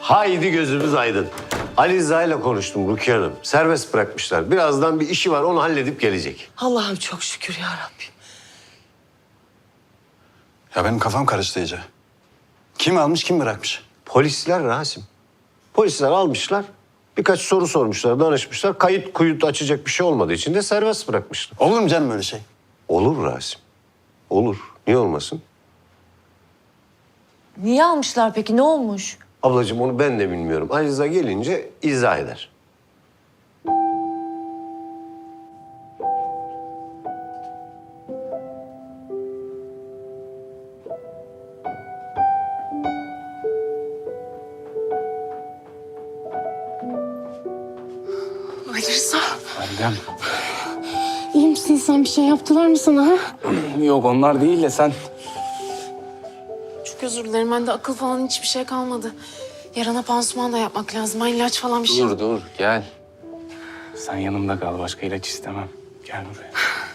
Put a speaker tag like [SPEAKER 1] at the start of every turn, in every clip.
[SPEAKER 1] Haydi gözümüz aydın. Ali Rıza ile konuştum Rukiye Hanım. Serbest bırakmışlar. Birazdan bir işi var, onu halledip gelecek.
[SPEAKER 2] Allah'ım çok şükür ya Rabbim.
[SPEAKER 3] Ya benim kafam karıştı iyice. Kim almış, kim bırakmış?
[SPEAKER 1] Polisler Rasim. Polisler almışlar. Birkaç soru sormuşlar, danışmışlar. Kayıt kuyut açacak bir şey olmadığı için de serbest bırakmışlar.
[SPEAKER 3] Olur mu canım öyle şey?
[SPEAKER 1] Olur Rasim. Olur. Niye olmasın?
[SPEAKER 4] Niye almışlar peki? Ne olmuş?
[SPEAKER 1] Ablacığım onu ben de bilmiyorum. Ali Rıza gelince izah eder.
[SPEAKER 2] Ali Rıza.
[SPEAKER 5] Validem.
[SPEAKER 2] İyi misin sen? Bir şey yaptılar mı sana ha?
[SPEAKER 5] Yok onlar değil de sen.
[SPEAKER 2] Çok özür dilerim. Bende akıl falan hiçbir şey kalmadı. Yarana pansuman da yapmak lazım. Ha, ilaç falan bir şey.
[SPEAKER 5] Dur gel. Sen yanımda kal. Başka ilaç istemem. Gel buraya.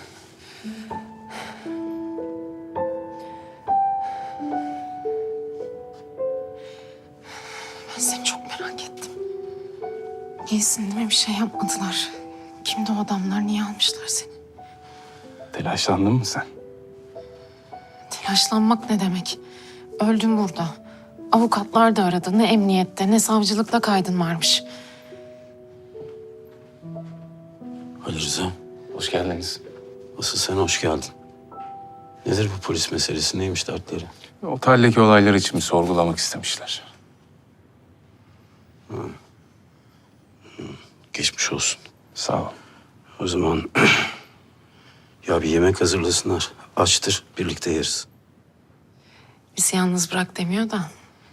[SPEAKER 2] Ben seni çok merak ettim. İyisin değil mi? Bir şey yapmadılar. Kimdi o adamlar? Niye almışlar seni?
[SPEAKER 5] Telaşlandın mı sen?
[SPEAKER 2] Telaşlanmak ne demek? Öldüm burada. Avukatlar da aradı. Ne emniyette ne savcılıkta kaydın varmış.
[SPEAKER 6] Ali Rıza,
[SPEAKER 5] Hoş geldiniz.
[SPEAKER 6] asıl sen hoş geldin. Nedir bu polis meselesi, neymiş dertleri?
[SPEAKER 5] Oteldeki olaylar için bir sorgulamak istemişler.
[SPEAKER 6] Geçmiş olsun.
[SPEAKER 5] Sağ ol.
[SPEAKER 6] O zaman ya bir yemek hazırlasınlar. Açtır, birlikte yeriz.
[SPEAKER 2] Bizi yalnız bırak demiyor da.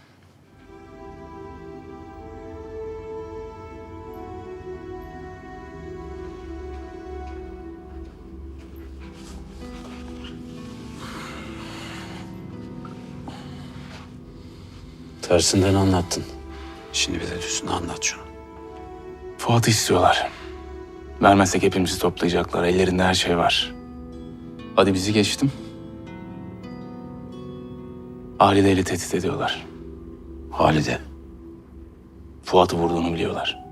[SPEAKER 6] Tersinden anlattın. Şimdi bir de düzünü anlat şunu.
[SPEAKER 5] Fuat'ı istiyorlar. Vermezsek hepimizi toplayacaklar. Ellerinde her şey var. Hadi bizi geçtim. Halide'yle tehdit ediyorlar.
[SPEAKER 6] Halide,
[SPEAKER 5] Fuat'ı vurduğunu biliyorlar.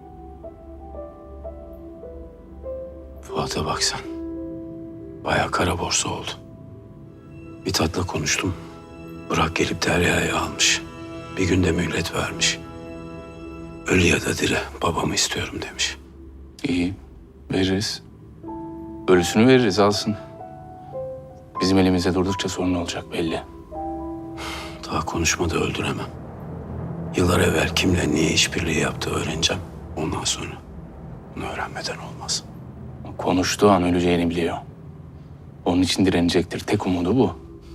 [SPEAKER 6] Fuat'a bak sen. Bayağı kara borsa oldu. Mithat'la konuştum. Bırak gelip Derya'yı almış. Bir günde mühlet vermiş. Ölü ya da diri babamı istiyorum demiş.
[SPEAKER 5] İyi, veririz. Ölüsünü veririz, alsın. Bizim elimizde durdukça sorun olacak belli.
[SPEAKER 6] Daha konuşmadı, öldüremem. Yıllar evvel kimle niye işbirliği yaptığı öğreneceğim. Ondan sonra bunu öğrenmeden olmaz.
[SPEAKER 5] Konuştuğu an öleceğini biliyor. Onun için direnecektir. Tek umudu bu.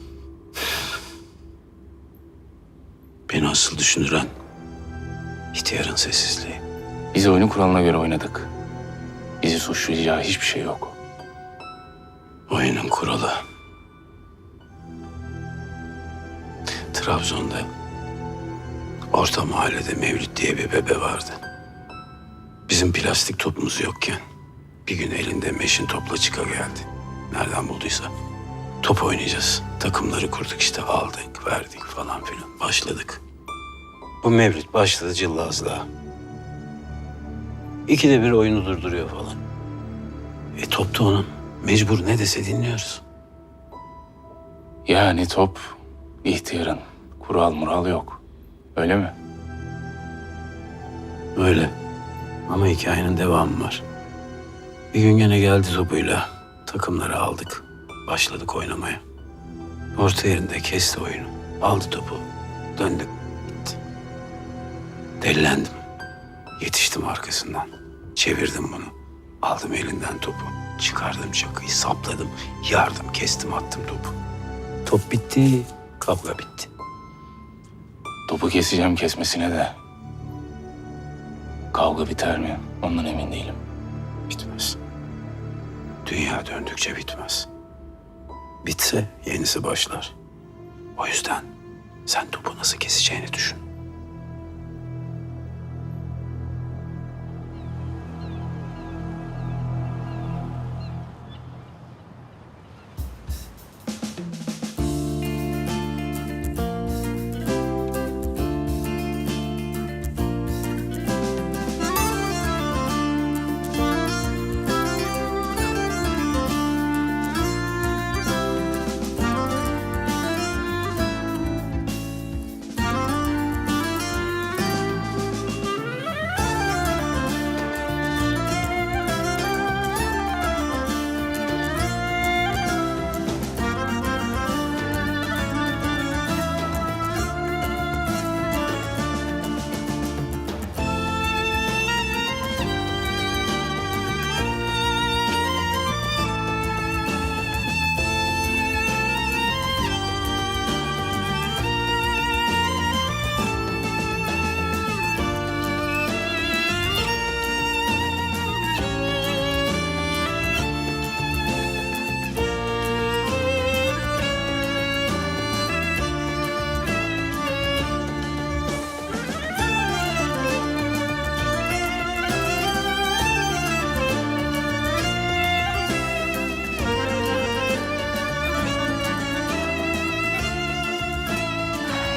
[SPEAKER 6] Beni asıl düşündüren ihtiyarın sessizliği.
[SPEAKER 5] Biz oyunu kuralına göre oynadık. Bizi suçlayacağı hiçbir şey yok.
[SPEAKER 6] Oyunun kuralı. Trabzon'da orta mahallede Mevlüt diye bir bebe vardı. Bizim plastik topumuz yokken bir gün elinde meşin topla çıka geldi. Nereden bulduysa. Top oynayacağız. Takımları kurduk işte, aldık, verdik falan filan. Başladık. Bu Mevlüt başladı cıllazlığa. İkide bir oyunu durduruyor falan. Top da onun. Mecbur ne dese dinliyoruz.
[SPEAKER 5] Yani top ihtiyarın. Kural mural yok. Öyle mi?
[SPEAKER 6] Öyle. Ama hikayenin devamı var. Bir gün gene geldi topuyla. Takımları aldık. Başladık oynamaya. Orta yerinde kesti oyunu. Aldı topu. Döndük. Gitti. Delilendim. Yetiştim arkasından. Çevirdim bunu. Aldım elinden topu. Çıkardım çakıyı, sapladım. Yardım, kestim, attım topu. Top bitti. Kavga bitti.
[SPEAKER 5] Topu keseceğim kesmesine de. Kavga biter mi? Ondan emin değilim.
[SPEAKER 6] Bitmez. Dünya döndükçe bitmez. Bitse yenisi başlar. O yüzden sen topu nasıl keseceğini düşün.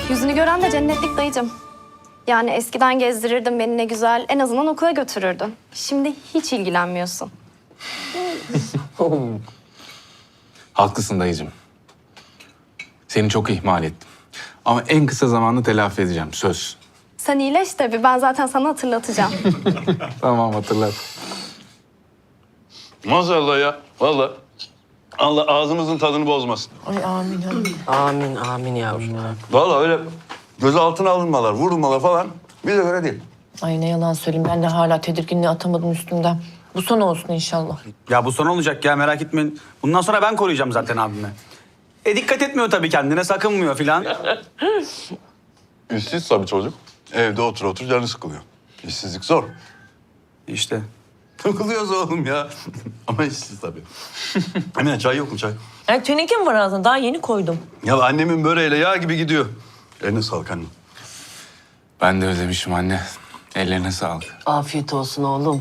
[SPEAKER 7] Yüzünü gören de cennetlik dayıcım. Yani eskiden gezdirirdin beni ne güzel. En azından okula götürürdün. Şimdi hiç ilgilenmiyorsun.
[SPEAKER 5] Haklısın dayıcığım. Seni çok ihmal ettim. Ama en kısa zamanda telafi edeceğim, söz.
[SPEAKER 7] Sen iyileş tabii. Ben zaten sana hatırlatacağım.
[SPEAKER 5] Tamam, hatırlat.
[SPEAKER 3] Maşallah ya. Vallahi. Allah ağzımızın tadını bozmasın.
[SPEAKER 8] Amin, amin yavrum.
[SPEAKER 3] Vallahi öyle gözaltına alınmalar, vurulmalar falan bize göre değil.
[SPEAKER 4] Ay ne yalan söyleyeyim, ben de hala tedirginliği atamadım üstümden. Bu son olsun inşallah.
[SPEAKER 9] Ya bu son olacak ya, merak etmeyin. Bundan sonra ben koruyacağım zaten abimi. Dikkat etmiyor tabii kendine, sakınmıyor filan.
[SPEAKER 3] İşsiz tabii çocuk. Evde otur otur canı sıkılıyor. İşsizlik zor.
[SPEAKER 9] İşte.
[SPEAKER 3] Takılıyoruz oğlum ya. Ama işsiz tabii. Emine çay yok mu çay?
[SPEAKER 4] Ay teneke mi var ağzında? Daha yeni koydum.
[SPEAKER 3] Ya annemin böreğiyle yağ gibi gidiyor. Eline sağlık annem.
[SPEAKER 5] Ben de özlemişim anne. Ellerine sağlık.
[SPEAKER 8] Afiyet olsun oğlum.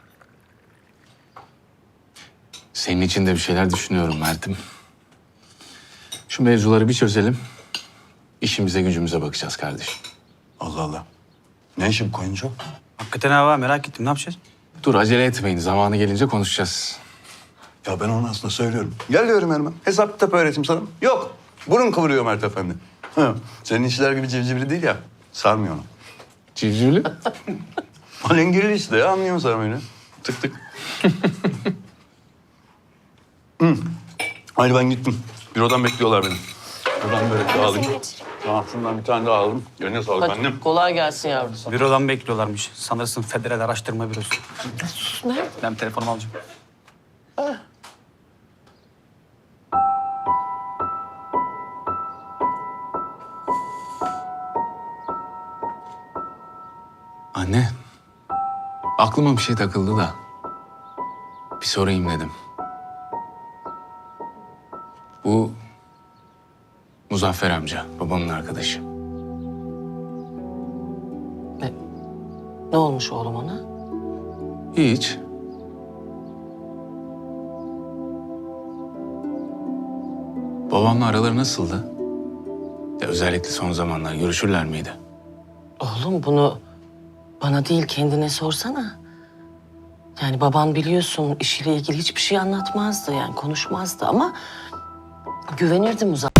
[SPEAKER 5] Senin için de bir şeyler düşünüyorum Mert'im. Şu mevzuları bir çözelim. İşimize gücümüze bakacağız kardeşim.
[SPEAKER 3] Allah Allah. Ne işi bu koyunca?
[SPEAKER 9] Hakikaten hava, merak ettim. Ne yapacağız?
[SPEAKER 5] Dur acele etmeyin. Zamanı gelince konuşacağız.
[SPEAKER 3] Ya ben onu aslında söylüyorum. Gel diyorum Erman. Hesap kitap öğreteyim sana. Yok. Burun kıvırıyor Mert Efendi. Hı. Senin işler gibi civcivli değil ya. Sarmıyor onu.
[SPEAKER 5] Civcivli.
[SPEAKER 3] Alengirli işte ya. Anlıyor musun sarmayı? Tık tık. Hı. Haydi ben gittim. Bürodan bekliyorlar beni. Buradan böyle alayım. Tamam şundan bir tane daha aldım. Eline sağlık
[SPEAKER 8] Hadi,
[SPEAKER 3] annem.
[SPEAKER 8] kolay gelsin yavrum.
[SPEAKER 9] Bürodan bekliyorlarmış. Sanırsın Federal Araştırma Bürosu. Ben telefonumu alacağım.
[SPEAKER 5] Anne. Aklıma bir şey takıldı da. Bir sorayım dedim. Bu Muzaffer amca, babamın arkadaşı.
[SPEAKER 8] Ne olmuş oğlum ona?
[SPEAKER 5] Hiç. Babamla araları nasıldı? Ya özellikle son zamanlar görüşürler miydi?
[SPEAKER 8] Oğlum bunu bana değil kendine sorsana. Yani baban biliyorsun işiyle ilgili hiçbir şey anlatmazdı yani konuşmazdı ama güvenirdi Muzaffer.